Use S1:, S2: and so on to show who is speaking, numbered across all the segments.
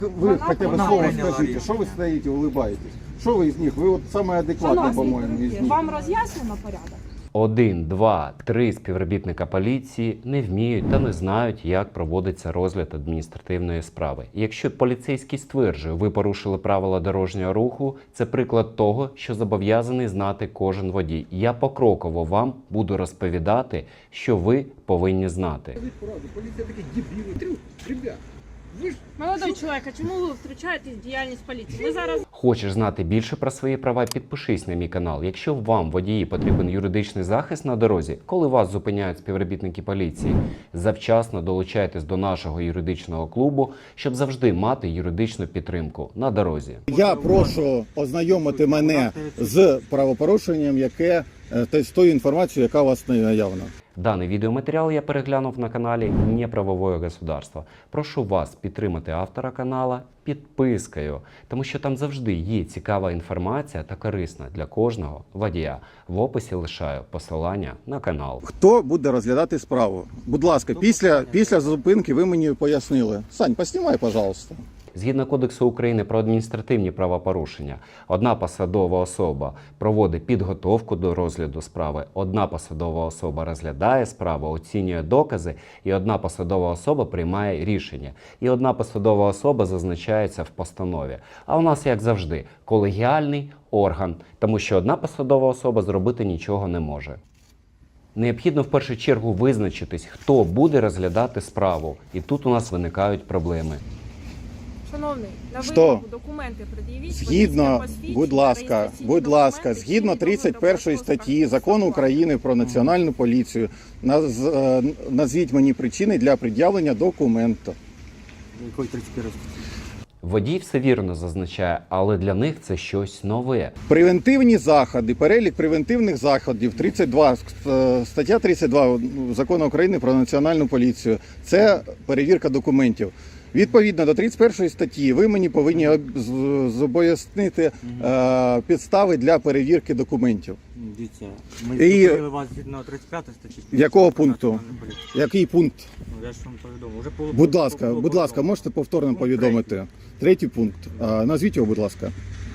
S1: Вы хотя бы слово скажите, что вы стоите, улыбаетесь? Что вы из них? Вы вот самые адекватные, по-моему, из них.
S2: Вам роз'яснено порядок?
S3: 1, 2, 3 співробітника поліції не вміють та не знають, як проводиться розгляд адміністративної справи. І якщо поліцейський стверджує, ви порушили правила дорожнього руху, це приклад того, що зобов'язаний знати кожен водій. Я покроково вам буду розповідати, що ви повинні знати.
S1: Полиция такие дебилы. Ребят, вы ж...
S2: Молодой чоловік, а чому ви втручаєтесь в діяльність поліції? Ми зараз...
S3: Хочеш знати більше про свої права? Підпишись на мій канал. Якщо вам, водії, потрібен юридичний захист на дорозі, коли вас зупиняють співробітники поліції, завчасно долучайтесь до нашого юридичного клубу, щоб завжди мати юридичну підтримку на дорозі.
S4: Я прошу ознайомити мене з правопорушенням, яке з тою інформацією, яка у вас наявна.
S3: Даний відеоматеріал я переглянув на каналі Неправовое государство. Прошу вас підтримати автора канала підпискою, тому що там завжди є цікава інформація та корисна для кожного водія. В описі лишаю посилання на канал.
S4: Хто буде розглядати справу? Будь ласка, після зупинки ви мені пояснили. Сань, поснімай, пожалуйста.
S3: Згідно Кодексу України про адміністративні правопорушення, одна посадова особа проводить підготовку до розгляду справи, одна посадова особа розглядає справу, оцінює докази, і одна посадова особа приймає рішення. І одна посадова особа зазначається в постанові. А у нас, як завжди, колегіальний орган, тому що одна посадова особа зробити нічого не може. Необхідно в першу чергу визначитись, хто буде розглядати справу. І тут у нас виникають проблеми.
S2: Шановний, на
S4: Що?
S2: вимогу документи пред'явіть.
S4: Згідно,
S2: водійське посвідчення,
S4: будь ласка,
S2: реєстраційні
S4: згідно
S2: документи,
S4: 31 статті Закону України про Національну поліцію, назвіть мені причини для пред'явлення документу.
S5: Якої 31 статті?
S3: Водій все вірно зазначає, але для них це щось нове.
S4: Превентивні заходи, перелік превентивних заходів, 32, стаття 32 Закону України про Національну поліцію. Це перевірка документів. Відповідно до 31 статті ви мені повинні зобов'яснити підстави для перевірки документів.
S5: Дивіться, ми
S4: І-
S5: зупинили вас згідно 35 статті.
S4: Якого пункту?
S5: Національної поліції.
S4: Який пункт?
S5: Ну, я ж вам повідомив. Уже було-
S4: Будь ласка, можете повторно повідомити. Третій пункт. Назвіть його, будь ласка.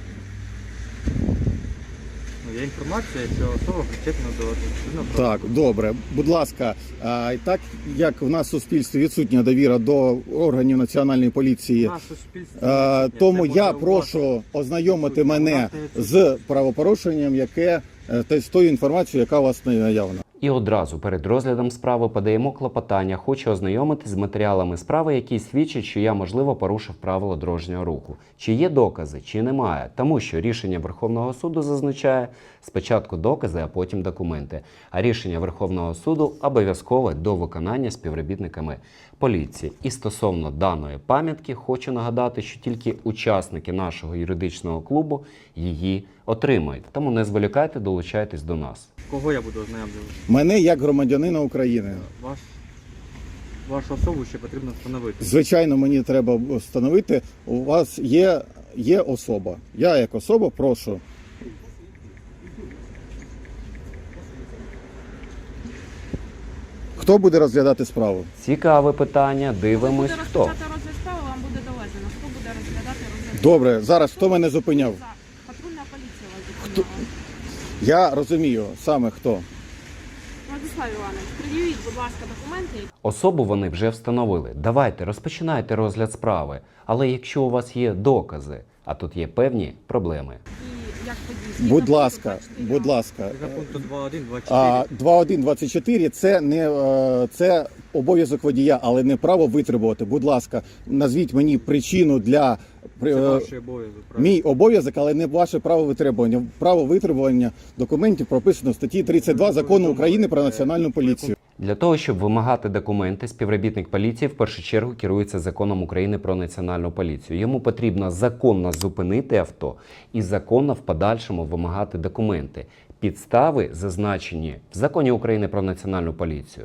S5: Ну, є інформація, що особа причетна до адміністративного
S4: Так, добре. Будь ласка, так як в нас в суспільстві відсутня довіра до органів Національної поліції,
S5: Наше суспільство відсутнє.
S4: тому
S5: Це
S4: я
S5: може
S4: прошу ознайомити мене з правопорушенням, яке з тою інформацією, яка у вас наявна.
S3: І одразу перед розглядом справи подаємо клопотання. Хочу ознайомитись з матеріалами справи, які свідчать, що я, можливо, порушив правила дорожнього руху. Чи є докази, чи немає. Тому що рішення Верховного суду зазначає спочатку докази, а потім документи. А рішення Верховного суду обов'язкове до виконання співробітниками поліції. І стосовно даної пам'ятки хочу нагадати, що тільки учасники нашого юридичного клубу її отримають. Тому не зволікайте, долучайтесь до нас.
S5: Кого я буду ознайомлювати?
S4: Мене як громадянина України.
S5: Вашу особу ще потрібно встановити.
S4: Звичайно, мені треба встановити, у вас є особа. Я як особа прошу. Хто буде розглядати справу?
S3: Цікаве питання, дивимось,
S2: Буде
S3: хто.
S2: розпочати розгляд справи, вам буде доведено. Хто буде розглядати розгляд?
S4: Добре, зараз хто мене зупиняв?
S2: Патрульна поліція вас зупиняла.
S4: Я розумію, саме хто.
S2: Владислав Іванович, пред'явіть, будь ласка, документи.
S3: Особу вони вже встановили. Давайте, розпочинайте розгляд справи. Але якщо у вас є докази, а тут є певні проблеми.
S2: І як події.
S4: Будь ласка, будь ласка.
S5: За пункту 2.1, 2.4.
S4: 2.1.24 це обов'язок водія, але не право витребувати. Будь ласка, назвіть мені причину для
S5: Це ваш обов'язок. правильно?
S4: мій обов'язок, але не ваше право витребування. Право витребування документів прописано в статті 32 Закону України про Національну поліцію.
S3: Для того, щоб вимагати документи, співробітник поліції в першу чергу керується законом України про Національну поліцію. Йому потрібно законно зупинити авто і законно в подальшому вимагати документи. Підстави зазначені в законі України про Національну поліцію.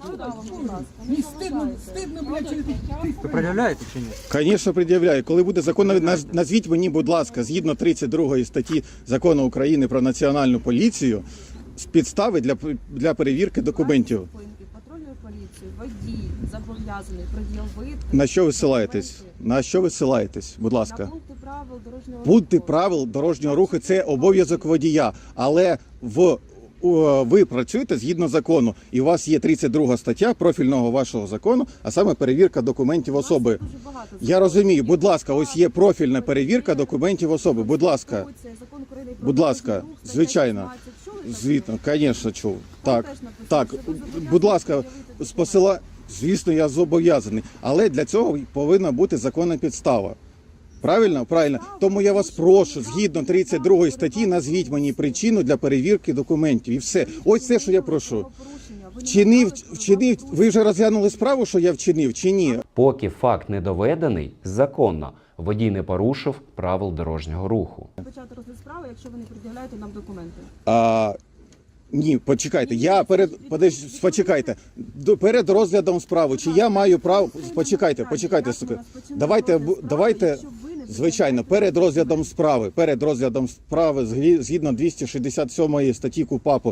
S5: Ви пред'являєте чи ні?
S4: Звісно, пред'являю. Коли буде закон, назвіть мені, будь ласка, згідно 32 статті Закону України про Національну поліцію, підстави для перевірки документів.
S6: поліцію водій зобов'язаний пред'явити...
S4: На що ви ссилаєтесь? На що ви ссилаєтесь? Будь
S6: На
S4: ласка.
S6: пункти правил дорожнього
S4: Пункти
S6: руху.
S4: правил дорожнього руху – це обов'язок водія, але ви працюєте згідно закону, і у вас є 32 стаття профільного вашого закону, а саме перевірка документів
S6: У нас
S4: особи.
S6: дуже багато
S4: Я
S6: законів.
S4: розумію, будь ласка, ось є профільна перевірка документів особи. Будь ласка,
S6: Конституція, Закон України про
S4: будь ласка,
S6: дорожній рух, стаття
S4: звичайно.
S6: 16. Чули таке?
S4: звітно, звісно, чув.
S6: Там
S4: Так,
S6: теж написано,
S4: так,
S6: що ви зобов'язані
S4: будь ласка,
S6: пред'явити
S4: з посила... Звісно, я зобов'язаний, але для цього повинна бути законна підстава. Правильно? Правильно. Тому я вас прошу, згідно 32 статті, назвіть мені причину для перевірки документів. І все. Ось все, що я прошу. Вчинив, ви вже розглянули справу, що я вчинив, чи ні?
S3: Поки факт не доведений, законно водій не порушив правил дорожнього руху.
S6: Почати розгляд справи, якщо ви не пред'являєте нам документи.
S4: Ні, почекайте. Я почекайте. Перед розглядом справи, чи я маю право... Почекайте. Давайте, звичайно, перед розглядом справи, згідно 267 статті КУпАПу,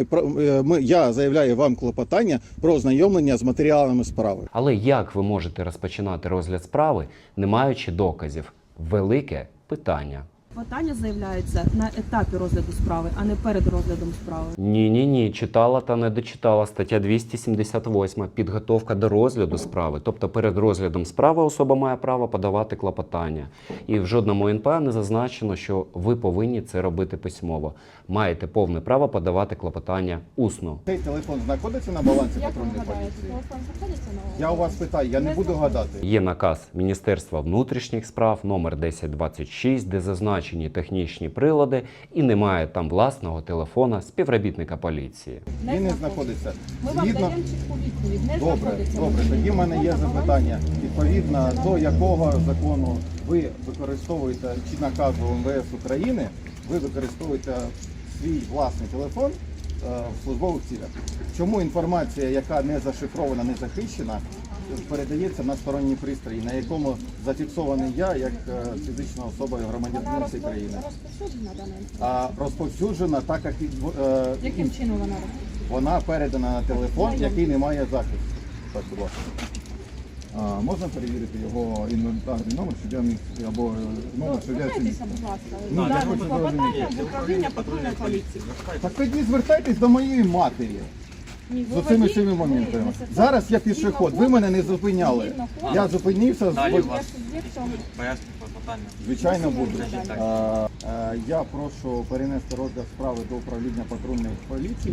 S4: я заявляю вам клопотання про ознайомлення з матеріалами справи.
S3: Але як ви можете розпочинати розгляд справи, не маючи доказів? Велике питання.
S6: Питання заявляється на етапі розгляду справи, а не перед розглядом справи.
S3: Ні, читала та не дочитала. Стаття 278. Підготовка до розгляду справи. Тобто перед розглядом справи особа має право подавати клопотання. І в жодному НПА не зазначено, що ви повинні це робити письмово. Маєте повне право подавати клопотання усно.
S1: Цей телефон знаходиться на балансі
S2: Як ви
S1: патрульної
S2: гадаєте,
S1: поліції?
S2: телефон знаходиться на
S1: Я у вас питаю, я не буду гадати.
S3: Є наказ Міністерства внутрішніх справ номер 1026, де зазначені технічні прилади і немає там власного телефона співробітника поліції.
S1: Він не знаходиться.
S2: Ми вам
S1: Згідно...
S2: даємо чітку відповідь. Не
S1: Добре,
S2: знаходиться.
S1: добре. Тоді в мене є запитання. Відповідно до якого закону ви використовуєте, чи наказу МВС України, ви використовуєте свій власний телефон в службових цілях. Чому інформація, яка не зашифрована, не захищена, передається на сторонні пристрої, на якому зафіксований я як фізична особа і громадянин цієї країни?
S2: Розповсюджена дана інформація.
S1: А розповсюджена так, як
S2: Яким чином вона розповсюджена?
S1: вона передана на телефон, який не має захисту. Так, будь ласка. Можна перевірити його інвентарний номер, щоб я міг, або номер, щоб я
S2: Звертайтеся, будь ласка.
S1: Ну, я
S2: Дане
S1: хочу
S2: клопотання в управління патрульної поліції.
S1: Так тоді звертайтесь до моєї матері
S2: Ні,
S1: з
S2: ви
S1: оцими
S2: водій,
S1: всіми
S2: ви
S1: моментами.
S2: несете
S1: Зараз я пішоход, ви мене не зупиняли.
S2: згідно коду.
S1: Я зупинився,
S5: Далі
S2: є
S5: у вас
S2: суб'єктом.
S5: поясню клопотання.
S1: звичайно буду.
S5: Так.
S1: Я прошу перенести розгляд справи до управління патрульної поліції.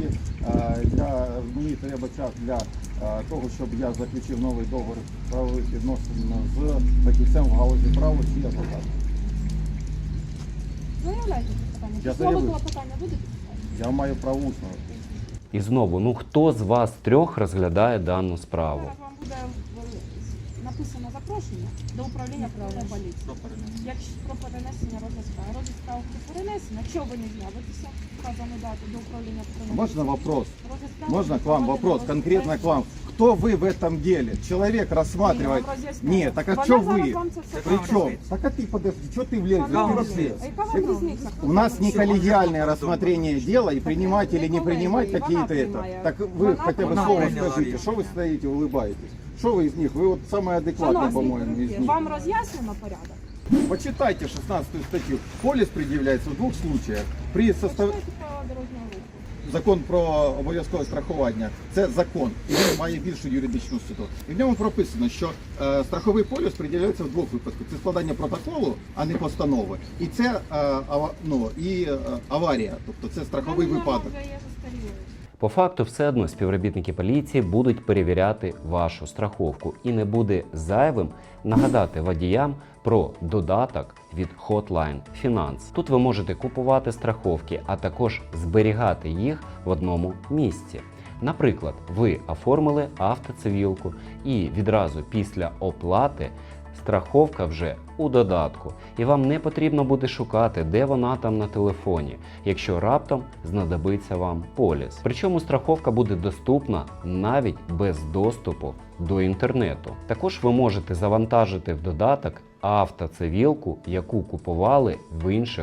S1: Мені треба час для того, щоб я заключив новий договір правових відносин з фахівцем в галузі права чи адвокатом.
S2: Заявляйте питання.
S1: Я
S2: Слово
S1: заявив.
S2: клопотання будете писати?
S1: Я маю право усного.
S3: І знову, хто з вас трьох розглядає дану справу?
S2: Зараз вам буде написано запрошення до управління патрульної поліції.
S5: Про перенесення.
S2: Якщо про перенесення розгляд справи. Розгляд справи про перенесення. Якщо ви не з'явитеся, вказану дату до управління патрульної
S1: Можно вопрос?
S2: Розгляд справи
S1: Можно к
S2: буде
S1: вам
S2: проведено
S1: вопрос,
S2: розгляд
S1: конкретно
S2: справи.
S1: к вам? Кто вы в этом деле? Человек рассматривает...
S2: Я вам роз'ясняю.
S1: Нет, так а
S2: Вона
S1: что
S2: зараз
S1: вы?
S2: вам це все
S1: Причем?
S2: пояснить.
S1: Так а ты подожди, что ты влезешь?
S2: Вам
S1: Ты
S2: роз'яснює.
S1: влез.
S2: А яка вам різниця?
S1: У нас не коллегиальное рассмотрение дела и принимать или не принимать
S2: Вона
S1: какие-то это.
S2: приймає.
S1: Так вы
S2: Вона
S1: хотя бы
S2: приймає.
S1: слово
S5: Прийняла
S1: скажите,
S5: рішення.
S1: что вы стоите, улыбаетесь? Что вы из них? Вы вот самый адекватный,
S2: Шановні,
S1: по-моему, из них.
S2: вам роз'яснено порядок?
S1: Почитайте 16 статью. Полис предъявляется в двух случаях. При состав...
S2: Почитайте правила дорожнього руху.
S1: Закон про обов'язкове страхування – це закон, і він має більшу юридичну силу. І в ньому прописано, що страховий поліс пред'являється в двох випадках. Це складання протоколу, а не постанови. І це аварія, тобто це страховий
S2: Вона
S1: випадок.
S2: вже є застарілою.
S3: По факту, все одно співробітники поліції будуть перевіряти вашу страховку, і не буде зайвим нагадати водіям про додаток від Hotline Finance. Тут ви можете купувати страховки, а також зберігати їх в одному місці. Наприклад, ви оформили автоцивілку і відразу після оплати страховка вже у додатку, і вам не потрібно буде шукати, де вона там на телефоні, якщо раптом знадобиться вам поліс. Причому страховка буде доступна навіть без доступу до інтернету. Також ви можете завантажити в додаток автоцивілку, яку купували в інших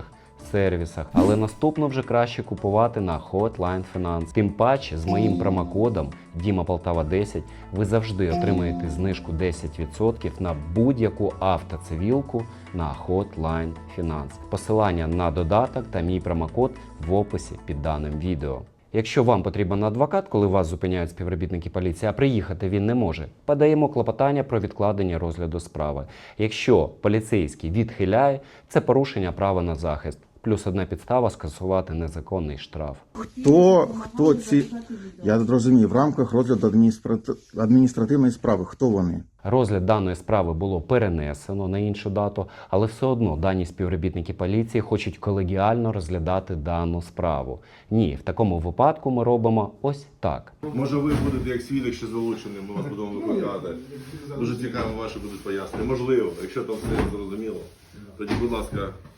S3: сервісах, але наступно вже краще купувати на Hotline Finance. Тим паче з моїм промокодом DIMAPOLTAVA10 ви завжди отримаєте знижку 10% на будь-яку автоцивілку на Hotline Finance. Посилання на додаток та мій промокод в описі під даним відео. Якщо вам потрібен адвокат, коли вас зупиняють співробітники поліції, а приїхати він не може, подаємо клопотання про відкладення розгляду справи. Якщо поліцейський відхиляє, це порушення права на захист. Плюс одна підстава скасувати незаконний штраф.
S4: Хто ці, я зрозумів, в рамках розгляду адміністративної справи, хто вони?
S3: Розгляд даної справи було перенесено на іншу дату, але все одно дані співробітники поліції хочуть колегіально розглядати дану справу. Ні, в такому випадку ми робимо ось так.
S7: Може ви будете як свідок ще залученим, ми вас будемо викликати. Дуже цікаво ваші будуть пояснення. Можливо, якщо там все зрозуміло, тоді, будь ласка,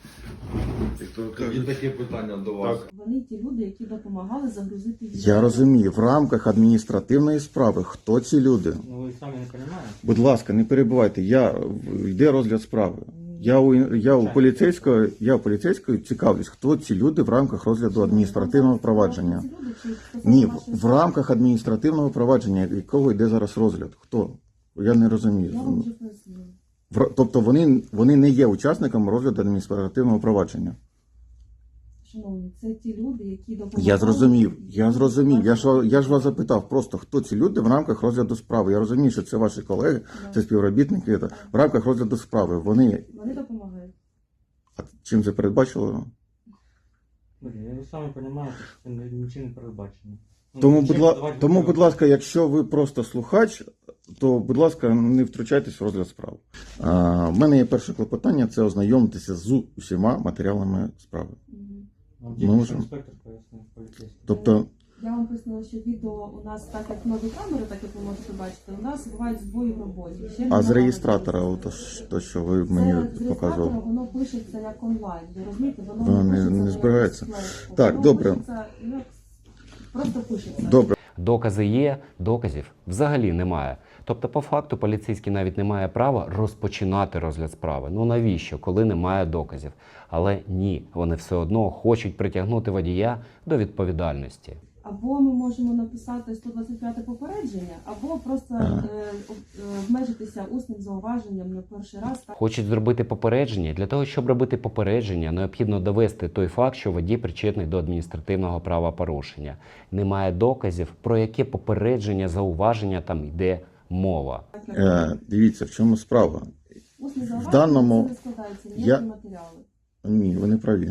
S8: І таке питання до вас.
S6: Вони ті люди, які допомагали загрузити відео.
S4: Я розумію, в рамках адміністративної справи, хто ці люди?
S5: Ну ви самі не розумієте?
S4: Будь ласка, не перебувайте, йде розгляд справи. Я у поліцейського цікавлюсь, хто ці люди в рамках розгляду адміністративного провадження.
S6: Ці люди, чи стосовно
S4: Ні,
S6: вашої
S4: в рамках адміністративного провадження, якого йде зараз розгляд. Хто? Я не
S6: Я вам
S4: розумію.
S6: вже пояснила.
S4: Тобто вони не є учасниками розгляду адміністративного провадження.
S6: Шановні, це ті люди, які допомагали.
S4: Я зрозумів. Я ж вас запитав просто, хто ці люди в рамках розгляду справи. Я розумію, що це ваші колеги, це співробітники. В рамках розгляду справи вони
S6: Вони допомагають.
S4: а чим це передбачило?
S5: Ви самі розумієте, що це нічим не передбачено. Ну,
S4: Тому, будь ласка, якщо ви просто слухач, то, будь ласка, не втручайтесь в розгляд справи. В мене є перше клопотання, це ознайомитися з усіма матеріалами справи. можемо.
S5: Інспектор пояснив, поліцейський.
S4: Тобто,
S6: Я вам пояснила, що відео у нас, так як нові камери, так як ви можете бачити, у нас бувають збої в роботі. Ще
S4: а з
S6: немає
S4: реєстратора,
S6: можливості.
S4: то, що ви
S6: Це
S4: мені
S6: з реєстратора
S4: показували.
S6: воно пишеться як онлайн. Ви розумієте,
S4: Воно
S6: воно
S4: не
S6: пишеться
S4: збирається.
S6: на якусь флешку.
S4: Так,
S6: Воно
S4: добре.
S6: пишеться, просто пишеться.
S4: Добре.
S3: Докази є, доказів взагалі немає. Тобто, по факту, поліцейський навіть не має права розпочинати розгляд справи. Ну навіщо, коли немає доказів? Але ні, вони все одно хочуть притягнути водія до відповідальності.
S6: Або ми можемо написати 125 попередження, або просто обмежитися усним зауваженням на перший раз. Так?
S3: Хочуть зробити попередження. Для того, щоб робити попередження, необхідно довести той факт, що водій причетний до адміністративного правопорушення. Немає доказів, про яке попередження, зауваження там йде мова.
S4: Дивіться, в чому справа.
S6: Усне зауваження
S4: даному-
S6: це не складається ніякі матеріали.
S4: Ні, ви не праві.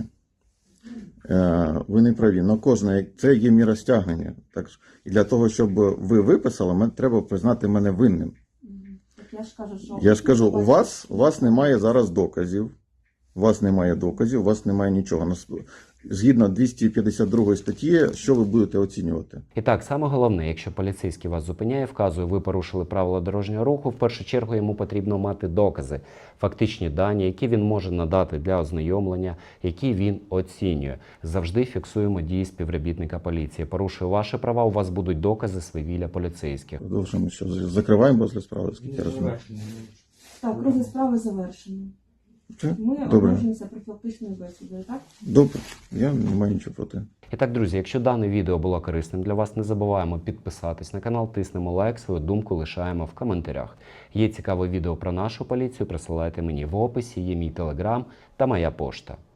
S4: Ви не праві. Но кожне, це є міра стягнення. Так, і для того, щоб ви виписали, треба признати мене винним.
S6: Так я
S4: Я ж кажу, у вас немає зараз доказів. У вас немає доказів, у вас немає нічого. Згідно 252 статті, що ви будете оцінювати?
S3: І так, саме головне, якщо поліцейський вас зупиняє, вказує, ви порушили правила дорожнього руху, в першу чергу йому потрібно мати докази, фактичні дані, які він може надати для ознайомлення, які він оцінює. Завжди фіксуємо дії співробітника поліції. Порушує ваші права, у вас будуть докази свавілля поліцейських.
S4: Продовжуємо, що закриваємо розгляд справи, скільки я розумію.
S6: Так, розгляд справи завершено.
S4: Все?
S6: Ми
S4: Добре.
S6: обмежуємося профілактичною бесідою, так?
S4: Добре, я не маю нічого проти.
S3: І так, друзі, якщо дане відео було корисним для вас, не забуваємо підписатись на канал, тиснемо лайк, свою думку лишаємо в коментарях. Є цікаве відео про нашу поліцію, присилайте мені в описі, є мій телеграм та моя пошта.